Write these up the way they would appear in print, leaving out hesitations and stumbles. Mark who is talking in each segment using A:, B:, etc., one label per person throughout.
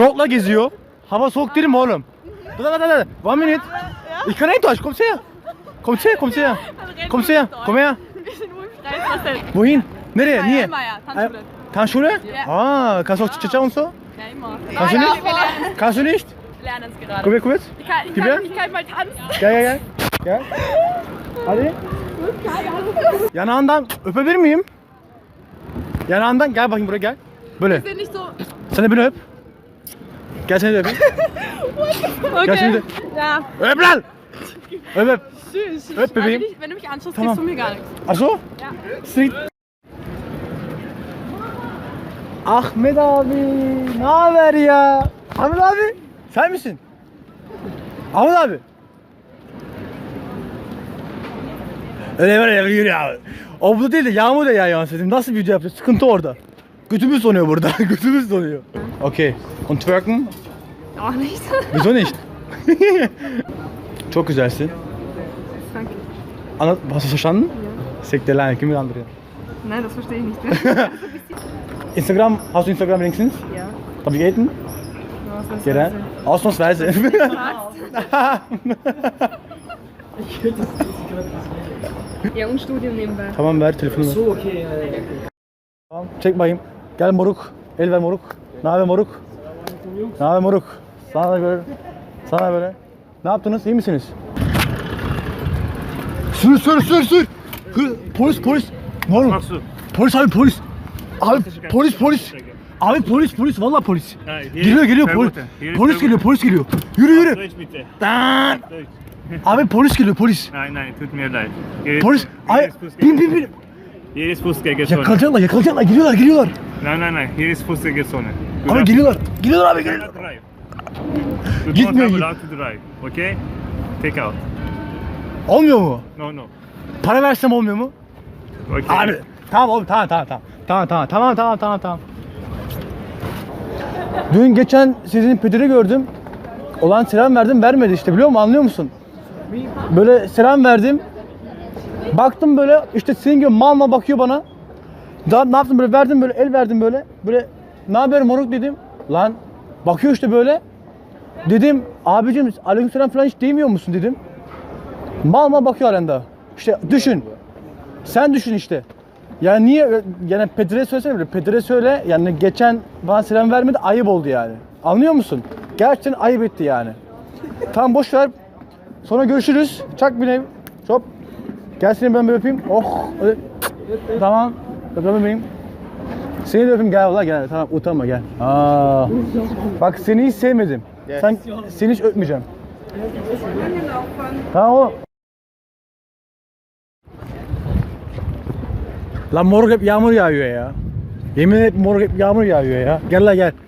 A: Şortla geziyor. Hava soğuk değil mi oğlum? Dur. One minute. Ich kann nicht Deutsch. Kommst her. Kommst her. Komm her. Wohin? Nereye? Niye? Tanzschule? Ah, kannst du auch Cha-Cha und so?
B: Ja, immer.
A: Kannst du nicht? Kannst du nicht?
B: Wir lernen es gerade.
A: Komm her kurz.
B: Ich kann mal tanzen.
A: Gel. Hadi. Yanağından öpebilir miyim? Yanağından gel bakayım buraya gel. Böyle.
B: Wir sind nicht so.
A: Sen de beni öp. Gel seni de öpeyim. Gel seni de.
B: Ja.
A: Öp lan! Öp.
B: Tschüss.
A: Öp bebeğim.
B: Wenn du mich anschaust,
A: Tamam.
B: kriegst du mir gar nichts.
A: Ach so?
B: Ja.
A: Street. Ahmet abi, ne haber ya? Ahmet abi, sen misin? Ahmet abi. Öyle böyle yürü ya. O bu değil de yağmur da yağıyor dedim. Nasıl video yapacağız? Sıkıntı orada. Götümüz donuyor burada. Götümüz donuyor. Okay. Und twerken?
B: Auch nicht.
A: Wieso nicht? Çok güzelsin.
B: Danke.
A: Anlat, hast du verstanden? Ja. Sekte lan, kim andırıyor?
B: Nein, das verstehe ich nicht mehr.
A: Instagram, hast du Instagram wenigstens?
B: Ja.
A: Darf ich haten? Gel. Ausnahmsweise.
B: Ja, und Studium nebenbei.
A: Tamam ver telefonu. So okay. Tamam, çek bakayım. Gel moruk. El ver moruk. Ne haber moruk? Ne haber moruk? Sana da böyle. Sana böyle. Ne yaptınız? İyi misiniz? Sür. Polis. Ne oğlum? Polis abi polis. Abi polis. Abi polis vallahi polis. Geliyor polis geliyor. Yürü. Abi polis geliyor polis.
C: Nein, tut mir leid.
A: Polis. Ay bin.
C: Hier ist Fußgängerzone.
A: Yakalayacaklar geliyorlar.
C: Nein, hier ist Fußgängerzone.
A: Abi geliyorlar abi.
C: Drive. You
A: Gitmiyor,
C: don't have allowed to drive, okay? Take out.
A: Olmuyor mu?
C: No.
A: Para versem olmuyor mu?
C: Okay.
A: Abi tamam oğlum tamam. Dün geçen sizin pederi gördüm. Olan selam verdim vermedi işte biliyor musun anlıyor musun? Böyle selam verdim. Baktım böyle işte senin gibi mal bakıyor bana. Daha ne yaptım böyle verdim böyle el verdim böyle. Böyle ne haber moruk dedim. Lan bakıyor işte böyle. Dedim abicim aleykümselam falan hiç değmiyor musun dedim. Mal bakıyor halen daha. İşte düşün. Sen düşün işte. Yani niye yani Pedre söylesene böyle. Pedre söyle yani geçen bana selam vermedi ayıp oldu yani. Anlıyor musun? Gerçekten ayıp etti yani. Tamam boş ver. Sonra görüşürüz. Çak bineyim. Hop. Gel seni ben bir öpeyim. Oh. Öyle. Tamam. Öpeyim bebeğim. Seni de öpeyim gel valla gel. Tamam utanma gel. Aa. Bak seni hiç sevmedim. Seni hiç öpmeyeceğim. Tamam oğlum. Lan moruk hep yağmur yağıyor ya. Yemin ederim moruk hep yağmur yağıyor ya. Gel la gel.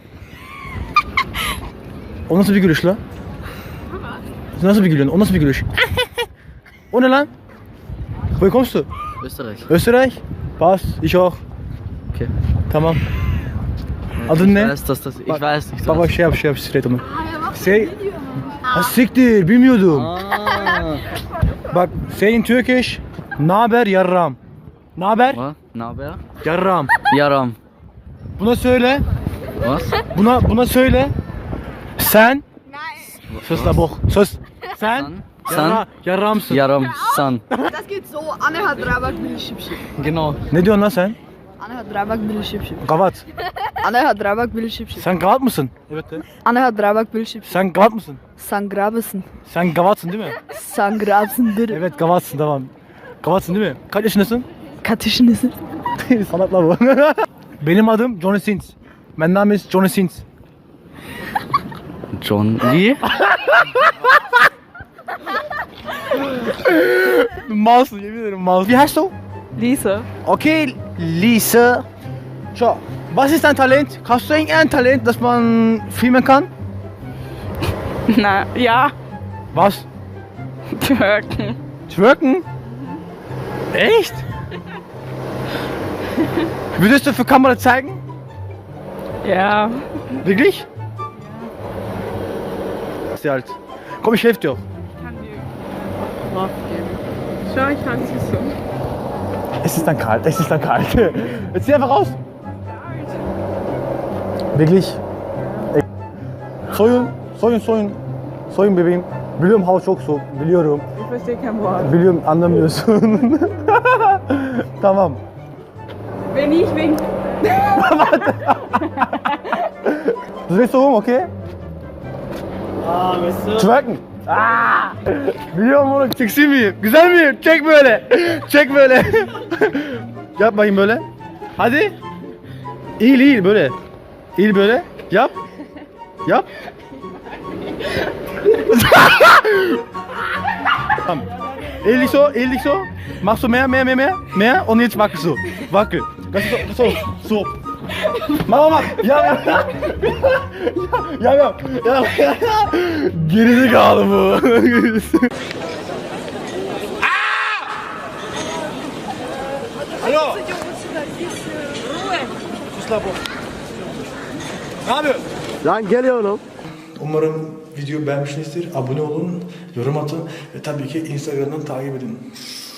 A: O nasıl bir gülüş la? Nasıl bir gülüyorsun? O nasıl bir gülüş? O ne lan? Woher kommst du? Österreich? Pass, ich auch.
D: Okay.
A: Tamam. Adın ne?
D: Ich weiß nicht.
A: Baba şey yap straight onu. Ha siktir bilmiyordum. Bak saying Turkish. Naber yarram. Naber?
D: Was? Naber?
A: Yarram.
D: Yaram.
A: Buna söyle.
D: Was?
A: Buna söyle. Sen. Sus la bok. Sus. Sen.
D: San.
A: Yarramsın.
D: Yaram. San.
B: Das geht so. Anne hat Rabak, will ich schip.
D: Genau.
A: Ne diyorsun lan sen?
B: Anne hat Rabak, will ich schip.
A: Gavat.
B: Anne hat Rabak, will ich schip.
A: Sen gavat mısın? Evet de.
B: Anne hat Rabak, will ich schip.
A: Sen gavat mısın?
B: San Grabesen.
A: Sen gavatsın değil mi?
B: San Grabesen, bitte.
A: Evet gavatsın tamam. Gavatsın değil mi? Kaç yaşındasın?
B: Katışınızı.
A: Sanatla bu. Benim adım Johnny Sins. Mein Name ist Johnny Sins.
D: John. Wie?
A: Malsın yemin ederim malsın. Wie heißt du?
B: Lisa.
A: Okay, Lisa. Schau, was ist dein Talent? Hast du irgendein Talent, das man filmen kann?
B: Na, ja.
A: Was?
B: Türken.
A: Twerken? Echt? Würdest du für Kamera zeigen?
B: Ja.
A: Wirklich? Ist halt. Komm, ich helfe dir.
B: Ich kann dir drauf geben. Schau, ich tanze so.
A: Es ist dann kalt. Jetzt zieh einfach raus. Wirklich? Soyun, soyun, soyun. Soyun bebeğim. Biliyorum hava çok soğuk, biliyorum.
B: Ich verstehe kein Wort.
A: Biliyorum anlamıyorsun. Tamam.
B: Wenn ich wink.
A: Du willst so rum, okay? Twerken. Biliyorum oğlum, seksi miyim? Güzel miyim? Çek böyle. Çek böyle. Yap bakayım böyle. Hadi. İyi iyi böyle. İyi böyle. Yap. Yap. Tamam. Ehrlich so. Machst du mehr? Und jetzt wackel so. Wackel. Das ist so. Mach. Ya. Gerizekalı bu. Alo. Ne yapıyorsun?
E: Lan geliyorum.
A: Umarım videoyu beğenmişsinizdir. Abone olun, yorum atın ve tabii ki Instagram'dan takip edin.